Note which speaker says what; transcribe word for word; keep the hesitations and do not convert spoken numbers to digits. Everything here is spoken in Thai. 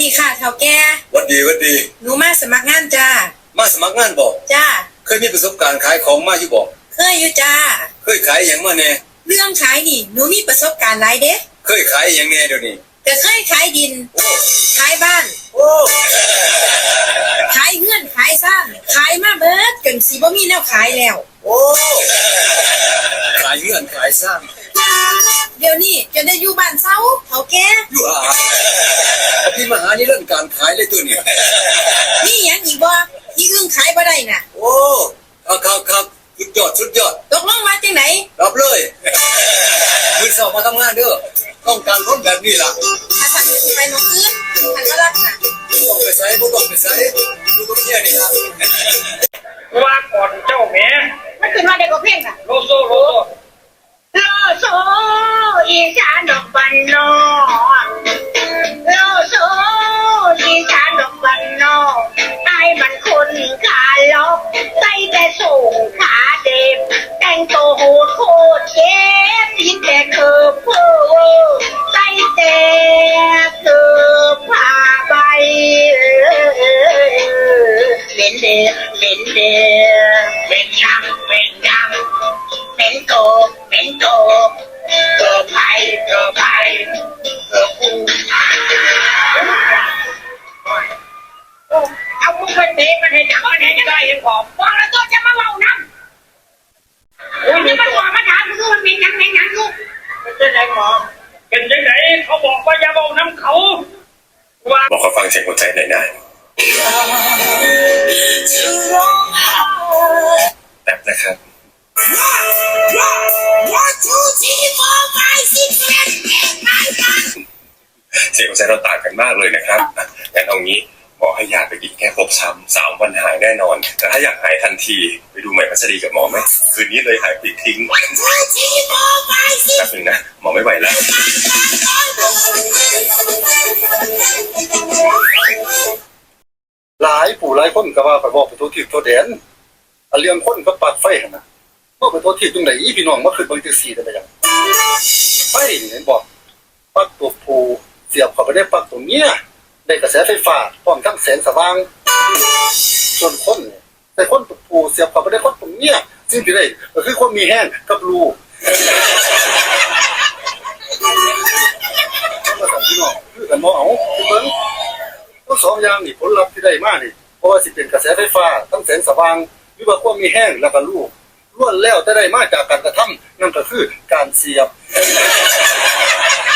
Speaker 1: ดีค่ะเฒ่าแก่
Speaker 2: วัดดีวัดดี
Speaker 1: หนูมาสมัครงานจ้า
Speaker 2: มาสมัครงานบอก
Speaker 1: จ้า
Speaker 2: เคยมีประสบการณ์ขายของมาอยู่บอก
Speaker 1: เคยอยู่จ้า
Speaker 2: เคยขายอย่างมาแน่
Speaker 1: เรื่องขายนี่หนูมีประสบการณ์หลายเด้
Speaker 2: เคยขายอย่างแน่เดี๋ยวนี้
Speaker 1: ก็เคยขายดินขายบ้าน
Speaker 2: โอ้
Speaker 1: ขายเงื่อนขายซ่านขายมาเบิดจนสิบ่มีแนวขายแล้ว
Speaker 2: โอ้ขายเงื่อนขายสร้าง
Speaker 1: เดี๋ยวนี้จนได้อยู่บ้านเซาเฒ่าแก่
Speaker 2: อยู่อ่ะพี่มาหานี่เรื่องการขายเลยตัวนี้
Speaker 1: นี่หยังอีกบ่ที่อึ้งขายบ่ได้น่ะ
Speaker 2: โอ้ครับครับสุดยอดสุดยอด
Speaker 1: ตกลงว่าจังได๋
Speaker 2: รับเลยมื้อเช้ามาทำงานเด้อต้องการคนแบบนี้ล่ะ
Speaker 1: ถ้าท่านสิไปหม้องอื่นท่านก็รับน่ะ
Speaker 2: ต้องไปใส่บ่ต้องไปใส่อยู่กับเมียนี่ล่ะ
Speaker 3: ว่าก่อนเจ้าแม่
Speaker 1: มันขึ้นมาได้ก็เพ่งน่ะ
Speaker 3: โลโซโลโซ
Speaker 1: โลโซอีสานดอกบันนอโลโซอีสานดอกบันนอไอ้มันคนขาล็อกใส่แต่ส่งขาเด็บแต่งตัวโหดโคตรเจ็บยิ่งแต่เคิร์ฟเพ้อใส่แต่เคิร์ฟผ้าใบเป็นเด็กเป็นเด็กเป็นยังเป็นยังเป็นโตเป็นโตเกิดภัยเกิดภัยเกิดกู
Speaker 3: เอามึงไปเตะมันให้จับมันให้จะได้ยังขอบ
Speaker 1: บอกแล้วตัวจะมาเมาน้ำโอ้ยนี่มันบอกมาถามมึงมันเป็นยังไงยังลูก
Speaker 3: เป็นยังไงหมอเป็นยังไงเขาบอกว่าอย่าเมาน้ำเขา
Speaker 2: ว่าบอกเขาฟังเสียงหัวใจหน่อยนะแบบนะครับเสียงหัวใจเราต่างกันมากเลยนะครับงั้นเอางี้หมอให้ยาไปกินแค่ครบซ้ำสามวันหายแน่นอนแต่ถ้าอยากหายทันทีไปดูใหม่พัสดีกับหมอไหมคืนนี้เลยหายปลิดทิ้งแป๊บนึงนะหมอไม่ไหวแล้ว
Speaker 4: หลายผู้หลายคนก็ว่าไปบอกไปทั่วทิศทั่วแดนอันเรื่องคนก็ปักไฟหั่นน่ะบ่ไปทั่วทิศตรงไหนพี่น้องมาขึ้นเบิ่งจังซี่ได้บ่ยังไฟนี่เห็นบ่ปักตัวผู้เสียบเข้าไปได้ปักตัวเมียได้กระแสไฟฟ้าพร้อมทั้งแสงสว่างส่วนคนนี่แต่คนตัวผู้เสียบเข้าไปได้คนตัวเมียซึ่งสิได้ก็คือคนมีแห้งกับรูมาสั่งพี่น้องคือกันบ่เอาเบิ่งทั้งสองอย่างนี่ผลลัพธ์ที่ได้มานี่เพราะว่าสิเป็นกระแสไฟฟ้าทั้งแสงสว่างหรือว่าความมีแห้งแล้วก็รูล้วนแล้วแต่ได้มาจากการกระทำนั่นก็คือการเสียบ